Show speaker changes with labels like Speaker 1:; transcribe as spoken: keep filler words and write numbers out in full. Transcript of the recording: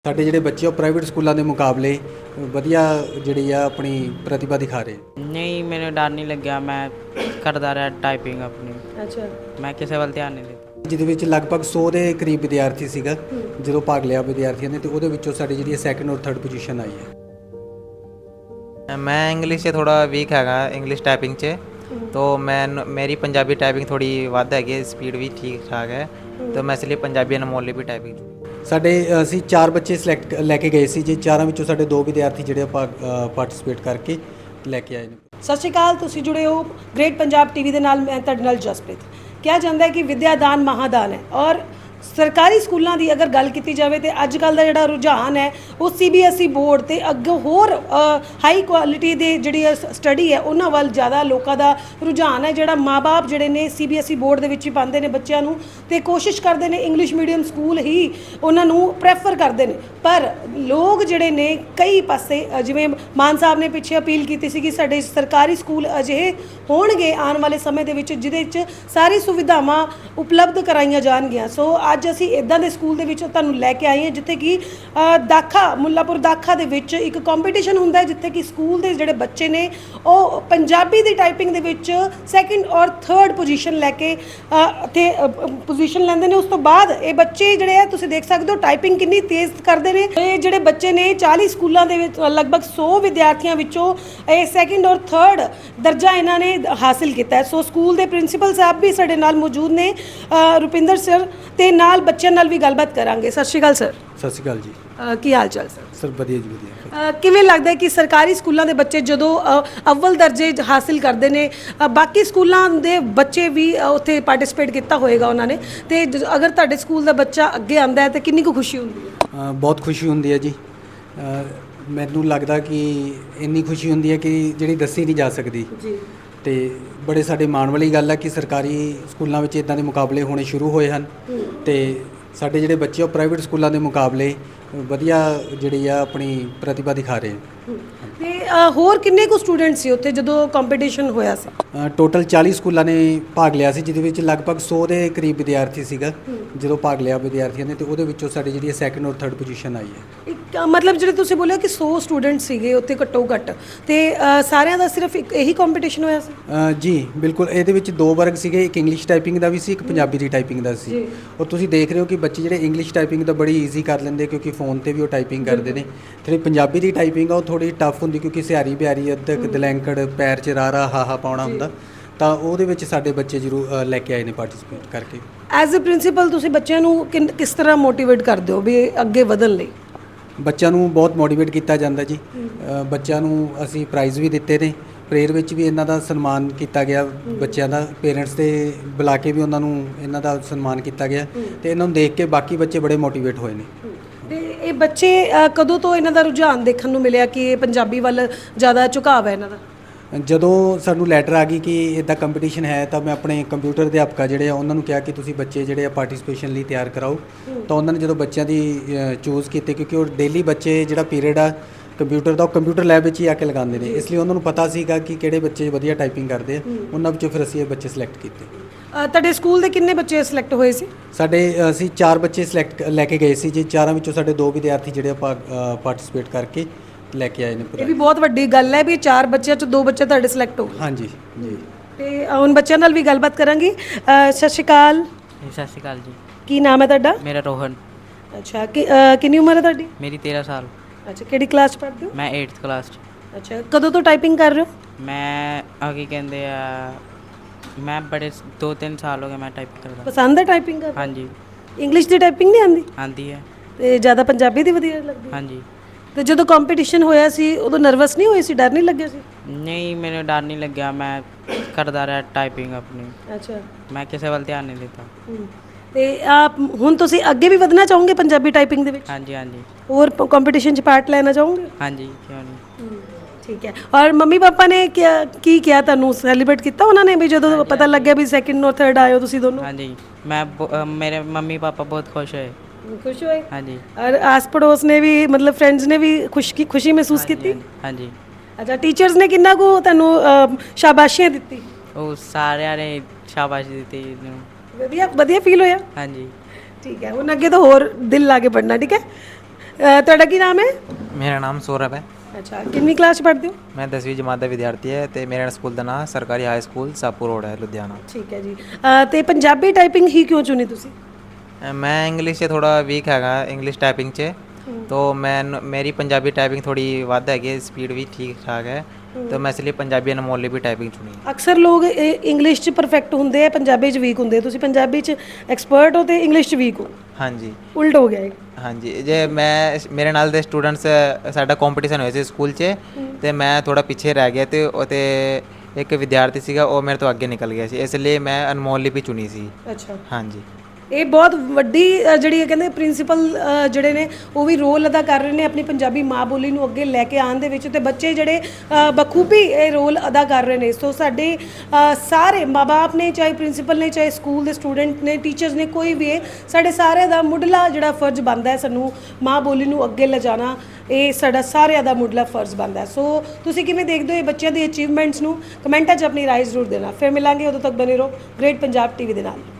Speaker 1: ਸਾਡੇ ਜਿਹੜੇ ਬੱਚੇ ਉਹ ਪ੍ਰਾਈਵੇਟ ਸਕੂਲਾਂ ਦੇ ਮੁਕਾਬਲੇ ਵਧੀਆ ਜਿਹੜੀ ਆ ਆਪਣੀ ਪ੍ਰਤਿਭਾ ਦਿਖਾ ਰਹੇ।
Speaker 2: ਨਹੀਂ, ਮੈਨੂੰ ਡਰ ਨਹੀਂ ਲੱਗਿਆ। ਮੈਂ ਕਰਦਾ ਰਿਹਾ ਟਾਈਪਿੰਗ ਆਪਣੀ।
Speaker 3: ਅੱਛਾ,
Speaker 2: ਮੈਂ ਕਿਸੇ ਵੱਲ ਧਿਆਨ ਨਹੀਂ ਦਿੱਤਾ।
Speaker 1: ਜਿਹਦੇ ਵਿੱਚ ਲਗਭਗ ਸੌ ਦੇ ਕਰੀਬ ਵਿਦਿਆਰਥੀ ਸੀਗਾ ਜਦੋਂ ਭਾਗ ਲਿਆ ਵਿਦਿਆਰਥੀਆਂ ਨੇ, ਤੇ ਉਹਦੇ ਵਿੱਚੋਂ ਸਾਡੀ ਜਿਹੜੀ ਸੈਕੰਡ ਔਰ ਥਰਡ ਪੋਜੀਸ਼ਨ ਆਈ ਹੈ।
Speaker 4: मैं इंग्लिश से थोड़ा वीक हैगा, इंग्लिश टाइपिंग से तो मैं मेरी पंजाबी टाइपिंग थोड़ी वध हैगी, स्पीड भी ठीक ठाक है, तो मैं इसलिए पंजाबी अनमोल भी टाइपिंग
Speaker 1: ਸਾਡੇ ਅਸੀਂ ਚਾਰ ਬੱਚੇ ਸਿਲੈਕਟ ਲੈ ਕੇ ਗਏ ਸੀ ਜੀ। ਚਾਰਾਂ ਵਿੱਚੋਂ ਸਾਡੇ ਦੋ ਵਿਦਿਆਰਥੀ ਜਿਹੜੇ ਭਾਗ ਪਾਰਟਿਸਿਪੇਟ ਕਰਕੇ ਲੈ ਕੇ ਆਏ ਨੇ।
Speaker 3: ਸਤਿ ਸ਼੍ਰੀ ਅਕਾਲ, ਤੁਸੀਂ ਜੁੜੇ ਹੋ ਗ੍ਰੇਟ ਪੰਜਾਬ ਟੀਵੀ ਦੇ ਨਾਲ। ਮੈਂ ਤੁਹਾਡੇ ਨਾਲ ਜਸਪ੍ਰੀਤ। ਕਿਹਾ ਜਾਂਦਾ ਹੈ ਕਿ ਵਿਦਿਆ ਦਾਨ ਮਹਾਦਾਨ ਹੈ, ਔਰ ਸਰਕਾਰੀ ਸਕੂਲਾਂ ਦੀ ਅਗਰ ਗੱਲ ਕੀਤੀ ਜਾਵੇ ਤੇ ਅੱਜ ਕੱਲ੍ਹ ਦਾ ਜਿਹੜਾ ਰੁਝਾਨ ਹੈ ਉਹ C B S E board ਤੇ ਅੱਗੇ ਹੋਰ ਹਾਈ ਕੁਆਲਿਟੀ ਦੇ ਜਿਹੜੀ ਸਟੱਡੀ ਹੈ ਉਹਨਾਂ ਵੱਲ ਜ਼ਿਆਦਾ ਲੋਕਾਂ ਦਾ ਰੁਝਾਨ ਹੈ। ਜਿਹੜਾ ਮਾਂ-ਬਾਪ ਜਿਹੜੇ ਨੇ C B S E board ਦੇ ਵਿੱਚ ਹੀ ਪਾਉਂਦੇ ਨੇ ਬੱਚਿਆਂ ਨੂੰ ਤੇ ਕੋਸ਼ਿਸ਼ ਕਰਦੇ ਨੇ ਇੰਗਲਿਸ਼ ਮੀਡੀਅਮ ਸਕੂਲ ਹੀ ਉਹਨਾਂ ਨੂੰ ਪ੍ਰੈਫਰ ਕਰਦੇ ਨੇ। ਪਰ ਲੋਕ ਜਿਹੜੇ ਨੇ ਕਈ ਪਾਸੇ ਜਿਵੇਂ ਮਾਨ ਸਾਹਿਬ ਨੇ ਪਿੱਛੇ ਅਪੀਲ ਕੀਤੀ ਸੀ ਕਿ ਸਾਡੇ ਸਰਕਾਰੀ ਸਕੂਲ ਅਜਿਹੇ ਹੋਣਗੇ ਆਉਣ ਵਾਲੇ ਸਮੇਂ ਦੇ ਵਿੱਚ ਜਿਹਦੇ ਵਿੱਚ ਸਾਰੀ ਸੁਵਿਧਾਵਾਂ ਉਪਲਬਧ ਕਰਾਈਆਂ ਜਾਣਗੀਆਂ। ਸੋ ਅੱਜ ਅਸੀਂ ਇੱਦਾਂ ਦੇ ਸਕੂਲ ਦੇ ਵਿੱਚ ਤੁਹਾਨੂੰ ਲੈ ਕੇ ਆਏ ਹਾਂ ਜਿੱਥੇ ਕਿ ਦਾਖਾ ਮੁੱਲਾਪੁਰ ਦਾਖਾ ਦੇ ਵਿੱਚ ਇੱਕ ਕੰਪੀਟੀਸ਼ਨ ਹੁੰਦਾ ਹੈ, ਜਿੱਥੇ ਕਿ ਸਕੂਲ ਦੇ ਜਿਹੜੇ ਬੱਚੇ ਨੇ ਉਹ ਪੰਜਾਬੀ ਦੀ ਟਾਈਪਿੰਗ ਦੇ ਵਿੱਚ ਸੈਕਿੰਡ ਔਰ ਥਰਡ ਪੋਜੀਸ਼ਨ ਲੈ ਕੇ ਅਤੇ ਪੋਜੀਸ਼ਨ ਲੈਂਦੇ ਨੇ। ਉਸ ਤੋਂ ਬਾਅਦ ਇਹ ਬੱਚੇ ਜਿਹੜੇ ਆ ਤੁਸੀਂ ਦੇਖ ਸਕਦੇ ਹੋ ਟਾਈਪਿੰਗ ਕਿੰਨੀ ਤੇਜ਼ ਕਰਦੇ ਨੇ। ਇਹ ਜਿਹੜੇ ਬੱਚੇ ਨੇ ਚਾਲੀ ਸਕੂਲਾਂ ਦੇ ਵਿੱਚ ਲਗਭਗ ਸੌ ਵਿਦਿਆਰਥੀਆਂ ਵਿੱਚੋਂ ਇਹ ਸੈਕਿੰਡ ਔਰ ਥਰਡ ਦਰਜਾ ਇਹਨਾਂ ਨੇ ਹਾਸਿਲ ਕੀਤਾ ਹੈ। ਸੋ ਸਕੂਲ ਦੇ ਪ੍ਰਿੰਸੀਪਲ ਸਾਹਿਬ ਵੀ ਸਾਡੇ ਨਾਲ ਮੌਜੂਦ ਨੇ, ਰੁਪਿੰਦਰ ਸਰ, ਤੇ ਨਾਲ ਬੱਚਿਆਂ ਨਾਲ ਵੀ ਗੱਲਬਾਤ ਕਰਾਂਗੇ। ਸਤਿ ਸ਼੍ਰੀ ਅਕਾਲ ਸਰ।
Speaker 1: ਸਤਿ ਸ਼੍ਰੀ ਅਕਾਲ ਜੀ।
Speaker 3: ਕੀ ਹਾਲ ਚਾਲ ਸਰ?
Speaker 1: ਸਰ ਵਧੀਆ ਜੀ ਵਧੀਆ।
Speaker 3: ਕਿਵੇਂ ਲੱਗਦਾ ਹੈ ਕਿ ਸਰਕਾਰੀ ਸਕੂਲਾਂ ਦੇ ਬੱਚੇ ਜਦੋਂ ਅਵਲ ਦਰਜੇ ਹਾਸਿਲ ਕਰਦੇ ਨੇ, ਬਾਕੀ ਸਕੂਲਾਂ ਦੇ ਬੱਚੇ ਵੀ ਉੱਥੇ ਪਾਰਟਿਸਿਪੇਟ ਕੀਤਾ ਹੋਏਗਾ ਉਹਨਾਂ ਨੇ, ਤੇ ਅਗਰ ਤੁਹਾਡੇ ਸਕੂਲ ਦਾ ਬੱਚਾ ਅੱਗੇ ਆਉਂਦਾ ਹੈ ਤਾਂ ਕਿੰਨੀ ਕੁ ਖੁਸ਼ੀ ਹੁੰਦੀ ਹੈ?
Speaker 1: ਬਹੁਤ ਖੁਸ਼ੀ ਹੁੰਦੀ ਹੈ ਜੀ। ਮੈਨੂੰ ਲੱਗਦਾ ਕਿ ਇੰਨੀ ਖੁਸ਼ੀ ਹੁੰਦੀ ਹੈ ਕਿ ਜਿਹੜੀ ਦੱਸੀ ਨਹੀਂ ਜਾ ਸਕਦੀ ਜੀ। ਤੇ ਬੜੇ ਸਾਡੇ ਮਾਣ ਵਾਲੀ ਗੱਲ ਹੈ ਕਿ ਸਰਕਾਰੀ ਸਕੂਲਾਂ ਵਿੱਚ ਇਦਾਂ ਦੇ ਮੁਕਾਬਲੇ ਹੋਣੇ ਸ਼ੁਰੂ ਹੋਏ ਹਨ, ਤੇ ਸਾਡੇ ਜਿਹੜੇ ਬੱਚੇ ਉਹ ਪ੍ਰਾਈਵੇਟ ਸਕੂਲਾਂ ਦੇ ਮੁਕਾਬਲੇ ਵਧੀਆ ਜਿਹੜੀ ਆ ਆਪਣੀ ਪ੍ਰਤਿਭਾ ਦਿਖਾ ਰਹੇ।
Speaker 3: ਤੇ ਹੋਰ ਕਿੰਨੇ ਕੁ ਸਟੂਡੈਂਟ ਸੀ ਉੱਥੇ ਜਦੋਂ ਕੰਪੀਟੀਸ਼ਨ ਹੋਇਆ ਸੀ?
Speaker 1: ਟੋਟਲ ਚਾਲੀ ਸਕੂਲਾਂ ਨੇ ਭਾਗ ਲਿਆ ਸੀ, ਜਿਹਦੇ ਵਿੱਚ ਲਗਭਗ ਸੌ ਦੇ ਕਰੀਬ ਵਿਦਿਆਰਥੀ ਸੀਗਾ ਜਦੋਂ ਭਾਗ ਲਿਆ ਵਿਦਿਆਰਥੀਆਂ ਨੇ, ਤੇ ਉਹਦੇ ਵਿੱਚੋਂ ਸਾਡੀ ਜਿਹੜੀ ਸੈਕੰਡ ਔਰ ਥਰਡ ਪੋਜੀਸ਼ਨ ਆਈ ਹੈ।
Speaker 3: ਇੱਕ ਮਤਲਬ ਜਿਹੜੇ ਤੁਸੀਂ ਬੋਲਿਆ ਕਿ ਸੌ ਸਟੂਡੈਂਟ ਸੀਗੇ ਉੱਥੇ ਘੱਟੋ ਘੱਟ, ਤੇ ਸਾਰਿਆਂ ਦਾ ਸਿਰਫ ਇੱਕ ਇਹੀ ਕੰਪੀਟੀਸ਼ਨ ਹੋਇਆ ਸੀ?
Speaker 1: ਜੀ ਬਿਲਕੁਲ। ਇਹਦੇ ਵਿੱਚ ਦੋ ਵਰਗ ਸੀਗੇ, ਇੱਕ ਇੰਗਲਿਸ਼ ਟਾਈਪਿੰਗ ਦਾ ਵੀ ਸੀ, ਇੱਕ ਪੰਜਾਬੀ ਦੀ ਟਾਈਪਿੰਗ ਦਾ ਸੀ। ਔਰ ਤੁਸੀਂ ਦੇਖ ਰਹੇ ਹੋ ਕਿ ਬੱਚੇ ਜਿਹੜੇ ਇੰਗਲਿਸ਼ ਟਾਈਪਿੰਗ ਤਾਂ ਬੜੀ ਈਜ਼ੀ ਕਰ ਲੈਂਦੇ ਕਿਉਂਕਿ ਫੋਨ ਤੇ ਵੀ ਉਹ ਟਾਈਪਿੰਗ ਕਰਦੇ ਨੇ। ਜਿਹੜੀ ਪੰਜਾਬੀ ਦੀ ਟਾਈਪਿੰਗ ਆ ਉਹ ਥੋੜੀ ਟਫ ਹੁੰਦੀ ਕਿਉਂਕਿ ਸਿਆਰੀ ਬਿਆਰੀ ਅੱਧਕ ਦਲੈਂਕੜ ਪੈਰ 'ਚ ਰਾਰਾ ਹਾਹਾ ਪਾਉਣਾ ਹੁੰਦਾ, ਤਾਂ ਉਹਦੇ ਵਿੱਚ ਸਾਡੇ ਬੱਚੇ ਜ਼ਰੂਰ ਲੈ ਕੇ ਆਏ ਨੇ ਪਾਰਟਿਸਿਪੇਟ ਕਰਕੇ।
Speaker 3: ਐਜ਼ ਅ ਪ੍ਰਿੰਸੀਪਲ ਤੁਸੀਂ ਬੱਚਿਆਂ ਨੂੰ ਕਿਸ ਤਰ੍ਹਾਂ ਮੋਟੀਵੇਟ ਕਰਦੇ ਹੋ ਵੀ ਅੱਗੇ ਵਧਣ ਲਈ?
Speaker 1: ਬੱਚਿਆਂ ਨੂੰ ਬਹੁਤ ਮੋਟੀਵੇਟ ਕੀਤਾ ਜਾਂਦਾ ਜੀ। ਬੱਚਿਆਂ ਨੂੰ ਅਸੀਂ ਪ੍ਰਾਈਜ਼ ਵੀ ਦਿੱਤੇ ਨੇ, ਪ੍ਰੇਅਰ ਵਿੱਚ ਵੀ ਇਹਨਾਂ ਦਾ ਸਨਮਾਨ ਕੀਤਾ ਗਿਆ, ਬੱਚਿਆਂ ਦਾ ਪੇਰੈਂਟਸ ਦੇ ਬੁਲਾ ਕੇ ਵੀ ਉਹਨਾਂ ਨੂੰ ਇਹਨਾਂ ਦਾ ਸਨਮਾਨ ਕੀਤਾ ਗਿਆ, ਤੇ ਇਹਨਾਂ ਨੂੰ ਦੇਖ ਕੇ ਬਾਕੀ ਬੱਚੇ ਬੜੇ ਮੋਟੀਵੇਟ ਹੋਏ ਨੇ।
Speaker 3: ਤੇ ਇਹ ਬੱਚੇ ਕਦੋਂ ਤੋਂ ਇਹਨਾਂ ਦਾ ਰੁਝਾਨ ਦੇਖਣ ਨੂੰ ਮਿਲਿਆ ਕਿ ਇਹ ਪੰਜਾਬੀ ਵੱਲ ਜ਼ਿਆਦਾ ਝੁਕਾਅ ਹੈ ਇਹਨਾਂ ਦਾ?
Speaker 1: ਜਦੋਂ ਸਾਨੂੰ ਲੈਟਰ ਆ ਗਈ ਕਿ ਇੱਦਾਂ ਕੰਪੀਟੀਸ਼ਨ ਹੈ, ਤਾਂ ਮੈਂ ਆਪਣੇ ਕੰਪਿਊਟਰ ਅਧਿਆਪਕਾਂ ਜਿਹੜੇ ਆ ਉਹਨਾਂ ਨੂੰ ਕਿਹਾ ਕਿ ਤੁਸੀਂ ਬੱਚੇ ਜਿਹੜੇ ਆ ਪਾਰਟਿਸਿਪੇਸ਼ਨ ਲਈ ਤਿਆਰ ਕਰਾਓ। ਤਾਂ ਉਹਨਾਂ ਨੇ ਜਦੋਂ ਬੱਚਿਆਂ ਦੀ ਚੂਜ਼ ਕੀਤੇ, ਕਿਉਂਕਿ ਉਹ ਡੇਲੀ ਬੱਚੇ ਜਿਹੜਾ ਪੀਰੀਅਡ ਆ ਕੰਪਿਊਟਰ ਦਾ ਉਹ ਕੰਪਿਊਟਰ ਲੈਬ ਵਿੱਚ ਹੀ ਆ ਕੇ ਲਗਾਉਂਦੇ ਨੇ, ਇਸ ਲਈ ਉਹਨਾਂ ਨੂੰ ਪਤਾ ਸੀਗਾ ਕਿ ਕਿਹੜੇ ਬੱਚੇ ਵਧੀਆ ਟਾਈਪਿੰਗ ਕਰਦੇ ਆ। ਉਹਨਾਂ ਵਿੱਚੋਂ ਫਿਰ ਅਸੀਂ ਇਹ ਬੱਚੇ ਸਿਲੈਕਟ ਕੀਤੇ।
Speaker 3: ਤੁਹਾਡੇ ਸਕੂਲ ਦੇ ਕਿੰਨੇ ਬੱਚੇ ਸਿਲੈਕਟ ਹੋਏ ਸੀ?
Speaker 1: ਸਾਡੇ ਅਸੀਂ ਚਾਰ ਬੱਚੇ ਸਿਲੈਕਟ ਲੈ ਕੇ ਗਏ ਸੀ ਜੀ। ਚਾਰਾਂ ਵਿੱਚੋਂ ਸਾਡੇ ਦੋ ਵਿਦਿਆਰਥੀ ਜਿਹੜੇ ਪਾਰਟਿਸਿਪੇਟ ਕਰਕੇ ਲੈ ਕੇ ਆਏ ਨੇ।
Speaker 3: ਇਹ ਵੀ ਬਹੁਤ ਵੱਡੀ ਗੱਲ ਹੈ ਵੀ ਚਾਰ ਬੱਚਿਆਂ ਚੋਂ ਦੋ ਬੱਚੇ ਤੁਹਾਡੇ ਸਿਲੈਕਟ ਹੋ ਗਏ।
Speaker 1: ਹਾਂਜੀ ਜੀ।
Speaker 3: ਤੇ ਹੁਣ ਬੱਚਿਆਂ ਨਾਲ ਵੀ ਗੱਲਬਾਤ ਕਰਾਂਗੀ। ਸਤਿ ਸ਼੍ਰੀ ਅਕਾਲ।
Speaker 2: ਸਤਿ ਸ਼੍ਰੀ ਅਕਾਲ ਜੀ।
Speaker 3: ਕੀ ਨਾਮ ਹੈ ਤੁਹਾਡਾ?
Speaker 2: ਮੇਰਾ ਰੋਹਨ।
Speaker 3: ਅੱਛਾ, ਕਿੰਨੀ ਉਮਰ ਹੈ ਤੁਹਾਡੀ?
Speaker 2: ਮੇਰੀ ਤੇਰ੍ਹਾਂ ਸਾਲ।
Speaker 3: ਅੱਛਾ, ਕਿਹੜੀ ਕਲਾਸ 'ਚ ਪੜ੍ਹਦੇ ਹੋ?
Speaker 2: ਮੈਂ ਏਟਥ ਕਲਾਸ 'ਚ।
Speaker 3: ਅੱਛਾ, ਕਦੋਂ ਤੋਂ ਟਾਈਪਿੰਗ ਕਰ ਰਹੇ ਹੋ?
Speaker 2: ਮੈਂ ਆ ਕੀ ਕਹਿੰਦੇ ਆ, ਮੈਂ ਬੜੇ ਦੋ ਤਿੰਨ ਸਾਲ ਹੋ ਗਏ ਮੈਂ ਟਾਈਪ ਕਰਦਾ।
Speaker 3: ਪਸੰਦ ਹੈ ਟਾਈਪਿੰਗ ਕਰਨਾ?
Speaker 2: ਹਾਂਜੀ।
Speaker 3: ਇੰਗਲਿਸ਼ ਦੀ ਟਾਈਪਿੰਗ ਨਹੀਂ ਆਉਂਦੀ?
Speaker 2: ਆਉਂਦੀ ਹੈ।
Speaker 3: ਤੇ ਜ਼ਿਆਦਾ ਪੰਜਾਬੀ ਦੀ ਵਧੀਆ ਲੱਗਦੀ?
Speaker 2: ਹਾਂਜੀ।
Speaker 3: ਤੇ ਜਦੋਂ ਕੰਪੀਟੀਸ਼ਨ ਹੋਇਆ ਸੀ ਉਦੋਂ ਨਰਵਸ ਨਹੀਂ ਹੋਏ ਸੀ, ਡਰ ਨਹੀਂ ਲੱਗਿਆ ਸੀ?
Speaker 2: ਨਹੀਂ, ਮੈਨੂੰ ਡਰ ਨਹੀਂ ਲੱਗਿਆ। ਮੈਂ ਕਰਦਾ ਰਿਹਾ ਟਾਈਪਿੰਗ ਆਪਣੀ।
Speaker 3: ਅੱਛਾ।
Speaker 2: ਮੈਂ ਕਿਸੇ ਵੱਲ ਧਿਆਨ ਨਹੀਂ ਦਿੱਤਾ।
Speaker 3: ਤੇ ਆਪ ਹੁਣ ਤੁਸੀਂ ਅੱਗੇ ਵੀ ਵਧਣਾ ਚਾਹੋਗੇ ਪੰਜਾਬੀ ਟਾਈਪਿੰਗ ਦੇ ਵਿੱਚ?
Speaker 2: ਹਾਂਜੀ ਹਾਂਜੀ।
Speaker 3: ਹੋਰ ਕੰਪੀਟੀਸ਼ਨ 'ਚ ਪਾਰਟ ਲੈਣਾ ਚਾਹੋਗੇ?
Speaker 2: ਹਾਂਜੀ, ਕਿਉਂ ਨਹੀਂ।
Speaker 3: ਠੀਕ ਹੈ। ਔਰ ਮੰਮੀ ਪਾਪਾ ਨੇ ਕਿਆ ਕੀ ਕਿਹਾ ਤੁਹਾਨੂੰ, ਸੈਲੀਬ੍ਰੇਟ ਕੀਤਾ ਉਹਨਾਂ ਨੇ ਵੀ ਜਦੋਂ ਪਤਾ ਲੱਗਿਆ ਵੀ ਸੈਕਿੰਡ ਔਰ ਥਰਡ ਆਏ ਹੋ ਤੁਸੀਂ ਦੋਨੋਂ?
Speaker 2: ਹਾਂਜੀ। ਮੈਂ ਮੇਰੇ ਮੰਮੀ ਪਾਪਾ ਬਹੁਤ ਖੁਸ਼ ਹੋਏ।
Speaker 3: ਖੁਸ਼ ਹੋਏ?
Speaker 2: ਹਾਂਜੀ।
Speaker 3: ਔਰ ਆਸ ਪੜੋਸ ਨੇ ਵੀ ਮਤਲਬ ਫਰੈਂਡਸ ਨੇ ਵੀ ਖੁਸ਼ੀ ਖੁਸ਼ੀ ਮਹਿਸੂਸ ਕੀਤੀ?
Speaker 2: ਹਾਂਜੀ।
Speaker 3: ਅੱਛਾ, ਟੀਚਰਸ ਨੇ ਕਿੰਨਾ ਕੁ ਤੁਹਾਨੂੰ ਸ਼ਾਬਾਸ਼ੀਆਂ ਦਿੱਤੀ?
Speaker 2: ਉਹ ਸਾਰਿਆਂ ਨੇ ਸ਼ਾਬਾਸ਼ ਦਿੱਤੀ ਇਹਨੂੰ।
Speaker 3: ਵਧੀਆ ਵਧੀਆ ਫੀਲ ਹੋਇਆ?
Speaker 2: ਹਾਂਜੀ।
Speaker 3: ਠੀਕ ਹੈ, ਹੁਣ ਅੱਗੇ ਤਾਂ ਹੋਰ ਦਿਲ ਲਾ ਕੇ ਪੜ੍ਹਨਾ। ਠੀਕ ਹੈ। ਅ, ਤੁਹਾਡਾ ਕੀ ਨਾਮ ਹੈ?
Speaker 4: ਮੇਰਾ ਨਾਮ ਸੌਰਵ ਹੈ।
Speaker 3: ਅੱਛਾ, ਕਿੰਨੀ ਕਲਾਸ 'ਚ ਪੜ੍ਹਦੇ ਹੋ?
Speaker 4: ਮੈਂ ਦਸਵੀਂ ਜਮਾਤ ਦਾ ਵਿਦਿਆਰਥੀ ਹੈ ਤੇ ਮੇਰੇ ਸਕੂਲ ਦਾ ਨਾਮ ਸਰਕਾਰੀ ਹਾਈ ਸਕੂਲ ਸਾਪੂ ਰੋਡ ਹੈ ਲੁਧਿਆਣਾ।
Speaker 3: ਠੀਕ ਹੈ ਜੀ। ਅ, ਤੇ ਪੰਜਾਬੀ ਟਾਈਪਿੰਗ ਹੀ ਕਿਉਂ ਚੁਣੀ ਤੁਸੀਂ?
Speaker 4: ਅ, ਮੈਂ ਇੰਗਲਿਸ਼ 'ਚ ਥੋੜਾ ਵੀਕ ਹੈਗਾ, ਇੰਗਲਿਸ਼ ਟਾਈਪਿੰਗ 'ਚ। तो मैं मेरी पंजाबी टाइपिंग थोड़ी ਵੱਧ ਹੈਗੀ, ਸਪੀਡ ਵੀ ਠੀਕ ਠਾਕ ਹੈ, तो मैं इसलिए पंजाबी अनमोल भी टाइपिंग चुनी।
Speaker 3: ਅਕਸਰ ਲੋਕ ਇੰਗਲਿਸ਼ 'ਚ ਪਰਫੈਕਟ ਹੁੰਦੇ ਆ, ਪੰਜਾਬੀ 'ਚ ਵੀਕ ਹੁੰਦੇ ਆ। ਤੁਸੀਂ ਪੰਜਾਬੀ 'ਚ ਐਕਸਪਰਟ ਹੋ ਤੇ ਇੰਗਲਿਸ਼ 'ਚ ਵੀਕ ਹੋ,
Speaker 4: ਹਾਂਜੀ
Speaker 3: ਉਲਟ ਹੋ ਗਿਆ ਇਹ।
Speaker 4: ਹਾਂਜੀ, ਜੇ ਮੈਂ ਮੇਰੇ ਨਾਲ ਦੇ ਸਟੂਡੈਂਟਸ ਸਾਡਾ ਕੰਪੀਟੀਸ਼ਨ ਹੋਇਆ ਸੀ ਸਕੂਲ 'ਚ ਤੇ ਮੈਂ ਥੋੜਾ ਪਿੱਛੇ ਰਹਿ ਗਿਆ ਤੇ ਉਹ ਤੇ ਇੱਕ ਵਿਦਿਆਰਥੀ ਸੀਗਾ ਉਹ ਮੇਰੇ ਤੋਂ ਅੱਗੇ ਨਿਕਲ ਗਿਆ ਸੀ, ਇਸ ਲਈ ਮੈਂ ਅਨਮੋਲ ਲਿਪੀ ਚੁਣੀ ਸੀ।
Speaker 3: ਅੱਛਾ,
Speaker 4: ਹਾਂਜੀ,
Speaker 3: ਇਹ ਬਹੁਤ ਵੱਡੀ ਅ, ਜਿਹੜੀ ਇਹ ਕਹਿੰਦੇ ਪ੍ਰਿੰਸੀਪਲ ਜਿਹੜੇ ਨੇ ਉਹ ਵੀ ਰੋਲ ਅਦਾ ਕਰ ਰਹੇ ਨੇ ਆਪਣੀ ਪੰਜਾਬੀ ਮਾਂ ਬੋਲੀ ਨੂੰ ਅੱਗੇ ਲੈ ਕੇ ਆਉਣ ਦੇ ਵਿੱਚ, ਤੇ ਬੱਚੇ ਜਿਹੜੇ ਅ, ਬਖੂਬੀ ਇਹ ਰੋਲ ਅਦਾ ਕਰ ਰਹੇ ਨੇ। ਸੋ ਸਾਡੇ ਅ, ਸਾਰੇ ਮਾਂ-ਬਾਪ ਨੇ, ਚਾਹੇ ਪ੍ਰਿੰਸੀਪਲ ਨੇ, ਚਾਹੇ ਸਕੂਲ ਦੇ ਸਟੂਡੈਂਟ ਨੇ, ਟੀਚਰਸ ਨੇ, ਕੋਈ ਵੀ ਹੈ, ਸਾਡੇ ਸਾਰਿਆਂ ਦਾ ਮੁੱਢਲਾ ਜਿਹੜਾ ਫਰਜ਼ ਬਣਦਾ ਹੈ ਸਾਨੂੰ ਮਾਂ ਬੋਲੀ ਨੂੰ ਅੱਗੇ ਲਿਜਾਣਾ, ਇਹ ਸਾਡਾ ਸਾਰਿਆਂ ਦਾ ਮੁੱਢਲਾ ਫਰਜ਼ ਬਣਦਾ ਹੈ। ਸੋ ਤੁਸੀਂ ਕਿਵੇਂ ਦੇਖਦੇ ਹੋ ਇਹ ਬੱਚਿਆਂ ਦੀ ਅਚੀਵਮੈਂਟਸ ਨੂੰ? ਕਮੈਂਟਾਂ 'ਚ ਆਪਣੀ ਰਾਏ ਜ਼ਰੂਰ ਦੇਣਾ। ਫਿਰ ਮਿਲਾਂਗੇ, ਉਦੋਂ ਤੱਕ ਬਨੇ ਰਹੋ ਗ੍ਰੇਟ ਪੰਜਾਬ ਟੀਵੀ ਦੇ ਨਾਲ।